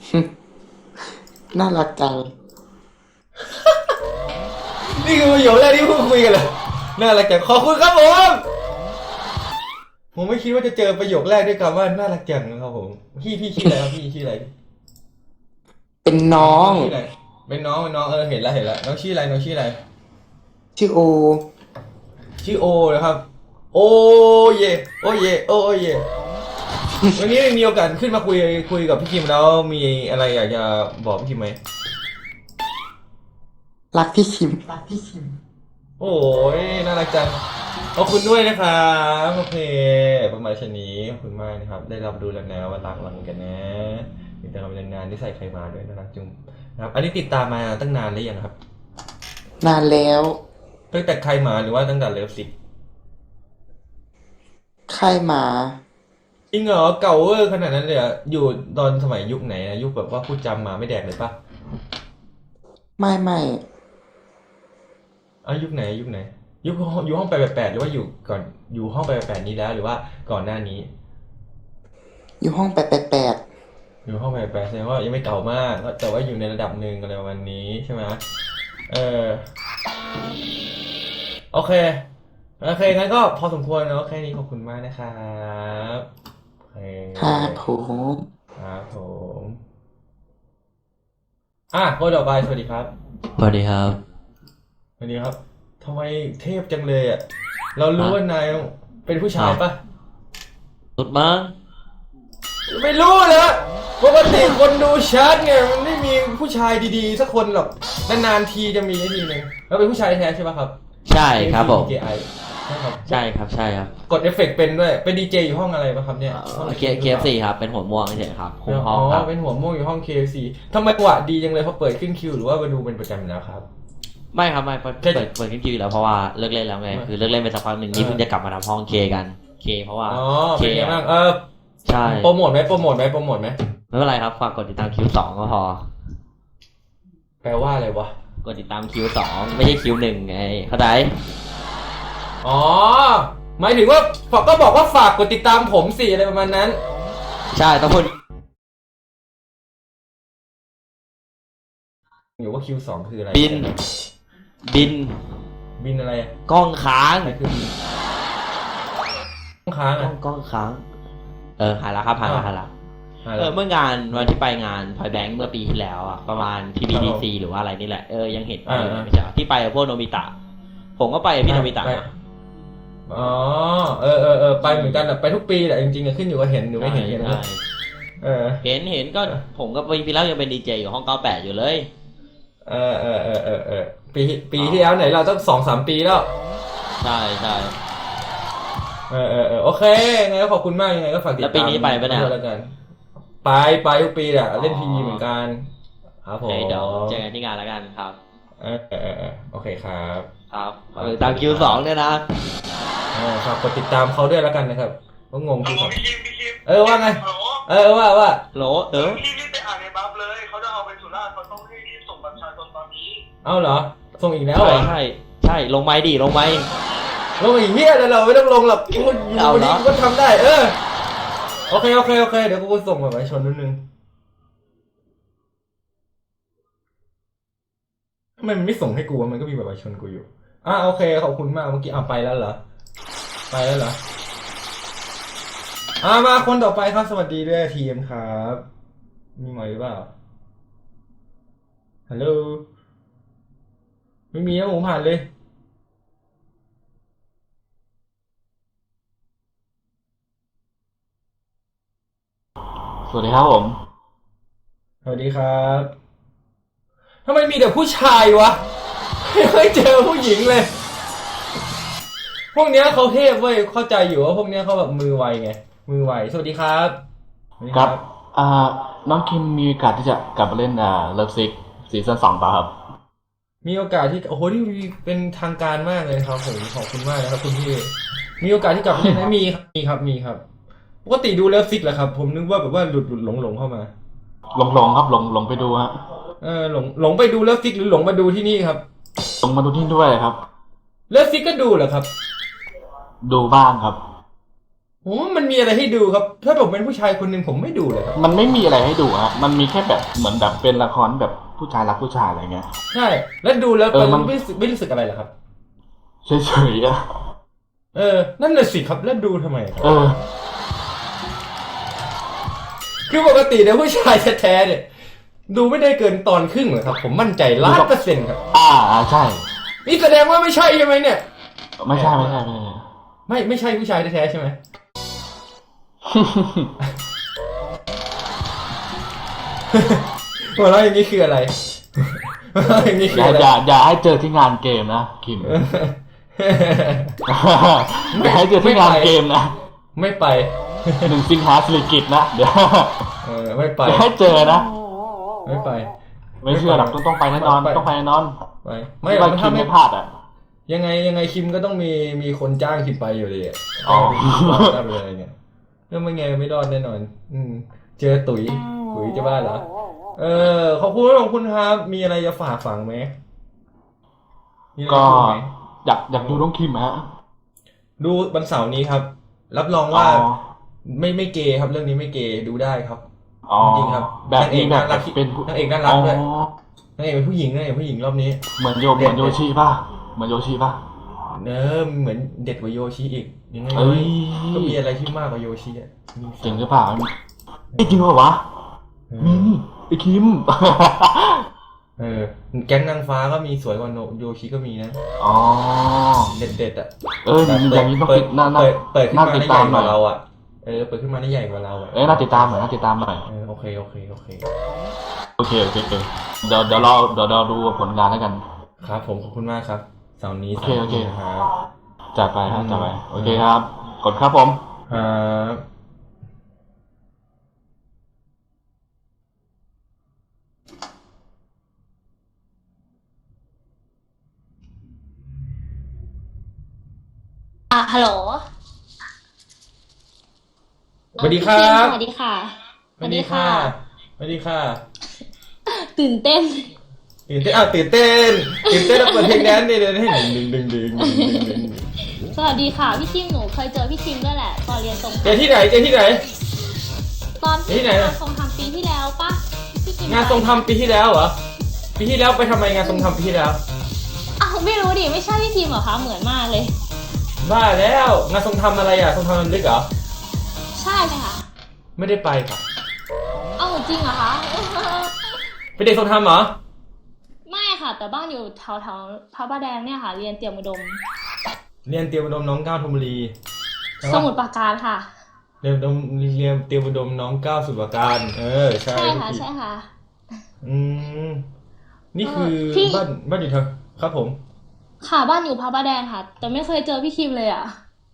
น่ารักจังนี่คือประโยคแรกที่พูดคุยกันเลยน่ารักจังขอบคุณครับผมไม่คิดว่าจะเจอประโยคแรกด้วยคำว่าน่ารักจังนะครับผมพี่ชื่ออะไรครับพี่ชื่ออะไรเป็นน้องชื่ออะไรเป็นน้องเห็นแล้วน้องชื่ออะไรชื่อโอชื่อโอนะครับโอเยโอเยโอเยวันนี้มีโอกาสขึ้นมาคุยกับพี่คิมแล้วมีอะไรอยากจะบอกพี่คิมไหมรักพี่คิมโอ้ยน่ารักจังขอบคุณด้วยนะครับโอเคประมาณชนี้ขอบคุณมากนะครับได้รับดูแล้วนะว่ารักหลังกันนะติดตามงานที่ใส่ใครมาด้วยน่ารักจุงนะครับอันนี้ติดตามมาตั้งนานหรือยังครับนานแล้วตั้งแต่ใครมาหรือว่าตั้งแต่เลิฟซิกค่ายหมาจริงเหรอเก่าเวอร์ขนาดนั้นเลยอ่ะอยู่ตอนสมัยยุคไหนนะยุคแบบว่าพูดจำมาไม่แดกเลยปะไม่ยุคไหนอยู่ห้อง888หรือว่าอยู่ก่อนอยู่ห้อง888นี้แล้วหรือว่าก่อนหน้านี้อยู่ห้อง888 อยู่ห้อง888แสดงว่ายังไม่เก่ามากแต่ว่าอยู่ในระดับหนึ่งอะไรประมาณนี้ใช่ไหมเออโอเคงั้นก็พอสมควรเนาะแค่นี้ขอบคุณมากนะครับโอเคครับผมครับผมคนต่อไปสวัสดีครับสวัสดีครับสวัสดีครับทำไมเทพจังเลยอ่ะเรารู้ว่านายเป็นผู้ชายปะสุดมั้งไม่รู้เลยปกติคนดูชาร์ตไงมันไม่มีผู้ชายดีๆสักคนหรอกนานๆทีจะมีทีนึงแล้วเป็นผู้ชายแท้ใช่ปะครับใช่ครับผม KI ใช่ครับใช่ครับกดเอฟเฟกต์เป็นด้วยเป็นดีเจอยู่ห้องอะไรปะครับเนี่ย KFC ครับเป็นหัวม่วงเฉยครับคุมห้องครับเป็นหัวม่วงอยู่ห้อง KFC ทำไมจังหวะดีจังเลยเขาเปิดขึ้นคิวหรือว่ามาดูเป็นประจำอยู่แล้วครับไม่ครับไม่เปิดขึ้นคิวอยู่แล้วเพราะว่าเลิกเล่นแล้วไงคือเลิกเล่นไปสักพักหนึ่งนี่เพิ่งจะกลับมาทำห้องเคกันเคเพราะว่าเคบ้างใช่โปรโมทไหมไม่เป็นไรครับฝากกดติดตามคิว2ก็พอแปลว่าอะไรวะกดติดตามคิว2ไม่ใช่คิว1ไงเข้าใจหมายถึงว่าก็บอกว่าฝากกดติดตามผมสิอะไรประมาณนั้นใช่ต้องพูดอยู่ว่า Q2 คืออะไรบินอะไรกล้องค้างอะไรคือบินกล้องค้างกล้องค้างหายละครับหายละเมื่องานวันที่ไปงานพอยแบงค์เมื่อปีที่แล้วอะประมาณ PBDC หรือว่าอะไรนี่แหละยังเห็นไม่ใช่ที่ไปกับพวกโนบิตะผมก็ไปกับพี่โนบิตะไปเหมือนกันไปทุกปีแหละจริงๆขึ้นอยู่กับเห็นหรือไม่เห็นกันนะเห็นก็ผมก็ปีแล้วยังเป็นดีเจอยู่ห้อง98อยู่เลยปีที่แล้วไหนเราต้อง2-3 ปีแล้วใช่โอเคไงก็ขอบคุณมากยังไงก็ฝากติดตามแล้วปีนี้ไปปะเนี่ยไปทุกปีแหละเล่นทีวีเหมือนกันครับผมเดี๋ยวเจอกันที่งานแล้วกันครับโอเคครับตามคิว2เนี่ยนะฝากกดติดตามเขาด้วยแล้วกันนะครับก็งงที่เขาว่าไงว่าโหลพี่รีบไปอ่านในบัฟเลยเขาจะเอาไปสุราษฎร์เขาต้องรีบส่งบัตรประชาชนตอนนี้เหรอส่งอีกแล้วเหรอใช่ลงไม้ดิลงอีกเหี้ยเลยเราไม่ต้องลงหรอกกูอยู่วันนี้กูก็ทำได้โอเคเดี๋ยวกูส่งบัตรประชาชนนิดนึงทำไมมันไม่ส่งให้กูมันก็มีบัตรประชาชนกูอยู่โอเคขอบคุณมากเมื่อกี้ไปแล้วเหรอมาคนต่อไปครับสวัสดีด้วยทีมครับมีไหมหรือเปล่าฮัลโหลไม่มีนะผมผ่านเลยสวัสดีครับผมสวัสดีครับทำไมมีแต่ผู้ชายวะไม่เคยเจอผู้หญิงเลยพวกเนี้ยเขาเทพเว้ยเข้าใจอยู่ว่าพวกเนี้ยเขาแบบมือไวไงมือไวสวัสดีครับครับน้องคิมมีโอกาสที่จะกลับมาเล่นเลิฟซิกซีซั่น2ป่ะครับมีโอกาสที่ที่เป็นทางการมากเลยครับผมขอบคุณมากนะครับคุณพี่มีโอกาสที่กลับมาเล่นไหมมีครับปกติดูเลิฟซิกแหละครับผมนึกว่าแบบว่าหลุดหลงเข้ามาหลงครับหลงไปดูฮะหลงไปดูเลิฟซิกหรือหลงมาดูที่นี่ครับหลงมาดูที่ด้วยครับเลิฟซิกก็ดูเหรอครับดูบ้างครับโอ้มันมีอะไรให้ดูครับ ถ้าผมเป็นผู้ชายคนหนึ่งผมไม่ดูเลยครับมันไม่มีอะไรให้ดูฮะมันมีแค่แบบเหมือนแบบเป็นละครแบบผู้ชายรักผู้ชายอะไรเงี้ยใช่ แล้วดูแล้วมันไม่รู้สึกอะไรเหรอครับเฉยๆอะนั่นน่ะสิครับแล้วดูทำไมครับ คือปกติเนี่ยผู้ชายแท้ๆเนี่ย ดูไม่ได้เกินตอนครึ่งเหรอครับ ผมมั่นใจ1,000,000%ครับใช่นี่แสดงว่าไม่ใช่ใช่ไหมเนี่ยไม่ใช่ไม่ใช่ผู้ชายแท้ๆใช่ไหม หัวเราะอย่างนี้คืออะไรหัวเราะอย่างนี้คืออะไรอย่าให้เจอที่งานเกมนะคิม อย่าให้เจอที่งานเกมนะไม่ไป 1 สิงหาสิริกิติ์นะเดี๋ยวไม่ไปอย่าให้เจอนะไม่ไปไม่เชื่อหรอกต้องไปแน่นอนต้องไปแน่นอนไปไม่ว่าคิมไม่พลาดอ่ะยังไงคิมก็ต้องมีคนจ้างคิมไปอยู่ดีอ่ะอ๋อจ้างไปอะไรเงี้ยแล้วไม่ไงไม่รอดแน่นอน เจอตุ๋ยจะบ้าเหรอขอบคุณครับ มีอะไรจะฝากฝังไหมมีอะไรก็จะพูดไหมอยากดูน้องคิมฮะดูวันเสาร์นี้ครับ รับรองว่าอ๋อไม่เกย์ครับ เรื่องนี้ไม่เกย์ดูได้ครับอ๋อจริงครับแบบนี้แบบนางเอกน่ารักเป็นผู้นางเอกน่ารักด้วยอ๋อนางเอกเป็นผู้หญิงรอบนี้เหมือนโยชิป่ะเหมือนโยชิป่ะเหมือนเด็ดกว่าโยชิอีกยังไงเอ้ยก็มีอะไรที่มากกว่าโยชิอ่ะมีจริงหรือเปล่าไม่จริงเหรอวะเอมีอไอคิมแก๊งนางฟ้าก็มีสวยกว่าโยชิก็มีนะอ๋อเด็ดอ่ะอย่างนี้ต้องติดน่าเปิดขึ้นมาติดได้ใหตาญ่มกหน่อว่าย เราอ่ะเปิดขึ้นมาได้ใหญ่กว่าเราอ่ะน่าติดตามหน่อยโอเคโอเคเดี๋ยวเราดูผลงานแล้วกันครับผมขอบคุณมากครับเสาร์นี้โอเคครับจัดไปโอเคครับกดครับผมครับฮัลโหลสวัสดีครับสวัสดีค่ะสวัสดีค่ะตื่นเต้นตื่นเต้นแล้วเปิดเพลงแดนซ์เนี่ยให้ดึงสวัสดีค่ะพี่คิมหนูเคยเจอพี่คิมด้วยแหละตอนเรียนทรงเจอที่ไหนตอนที่ไหนงานทรงทำปีที่แล้วปะพี่คิมงานทรงทำปีที่แล้วเหรอ ปีที่แล้วไปทำไมงานทรงทำปีที่แล้วอ้าวไม่รู้ดิไม่ใช่พี่คิมเหรอคะเหมือนมากเลยบ้าแล้วงานทรงทำอะไรอ่ะทรงทำลำลึกเหรอใช่ไหมคะไม่ได้ไปค่ะเอ้าจริงเหรอคะเป็นเด็กทรงทำเหรอไม่ค่ะ แต่บ้านอยู่แถวพระประแดงเนี่ยค่ะ เรียนเตรียมอุดมเรียนเตรียมอุดมน้องก้าวธนบุรีใช่สปะมุทรปราการค่ะเรียนเตรียมอุดมน้องก้าวสุดประการใช่ใช่ค่ะใช่ค่ะนี่คือพี่บ้านอยู่ทางครับผมค่ะบ้านอยู่พระประแดงค่ะ แต่ไม่เคยเจอพี่คิมเลยอ่ะ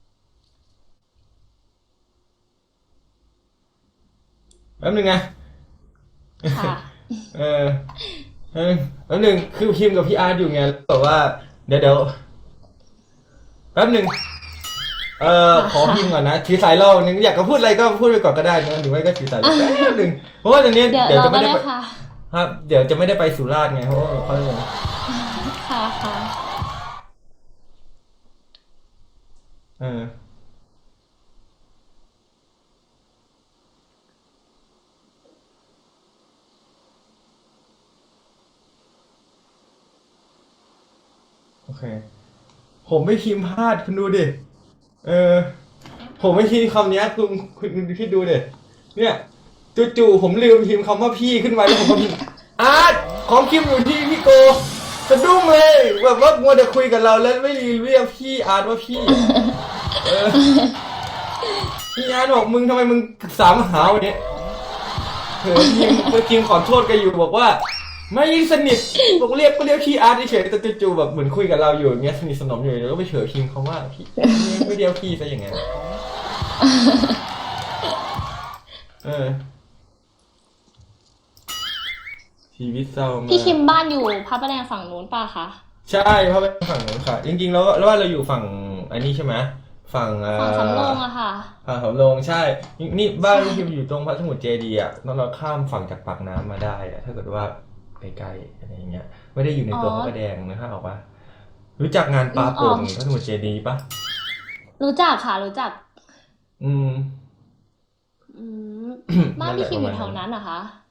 แป๊บนึงไงค่ะแป๊บนึงคือคิมกับพี่อาร์ตอยู่ไงบอกว่าเดี๋ยวแป๊บนึงขอพิมพ์ก่อนนะถือสายรอบนึงอยากจะพูดอะไรก็พูดไปก่อนก็ได้นะหรือไม่ก็ถือสายรอแป๊บนึงเพราะว่าตอนนี้เดี๋ยวเดี๋ยวเราจะก็ไม่ได้ได้ไปค่ะครับเดี๋ยวจะไม่ได้ไปสุราษฎร์ไงเพราะว่าเขาค่ะค่ะโอเคผมไม่พิมพ์พลาดคุณดูดิผมไม่พิมพ์คำนี้คุณคิดดูดิเนี่ยจู่ๆผมลืมพิมพ์คำว่าพี่ขึ้นมาแล้วผมก็พิมพ์อาร์ตของคิมอยู่ที่พี่โกสะดุ้งเลยแบบว่ามัวแต่คุยกับเราแล้วไม่เรียกพี่อาร์ตว่าพี่พี่อาร์ตบอกมึงทำไมมึงสามหาวเนี่ยพิมขอโทษกันอยู่บอกว่าไม่สนิทบอกเรียกพี่อาร์ตเฉยแต่จู่ๆแบบเหมือนคุยกับเราอยู่อย่างเงี้ยสนิทสนมอยู่แล้วก็ไปเฉยพิมพ์คำว่าพี่ไม่เรียกพี่ซะอย่างเงี้ยชีวิตเศร้ามากพี่คิมบ้านอยู่พระประแดงฝั่งนู้นป่ะคะใช่เพราะเป็นฝั่งนู้นค่ะจริงๆแล้วว่าเราอยู่ฝั่งอันนี้ใช่ไหมฝั่งฝั่งสำโรงอะค่ะฝั่งสำโรงใช่นี่บ้านที่อยู่ตรงพระสมุทรเจดีย์อ่ะเราข้ามฝั่งจากปากน้ำมาได้อะถ้าเกิดว่าใกล้ๆอะไรอย่างเงี้ยไม่ได้อยู่ในตัวพระประแดงนะฮะออกว่ารู้จักงานปลาโป่งพระสมุทรเจดีย์ปะรู้จักค่ะรู้จักอืมอืมบ้านพี่คิมอยู่แถวนั้นเหรอคะ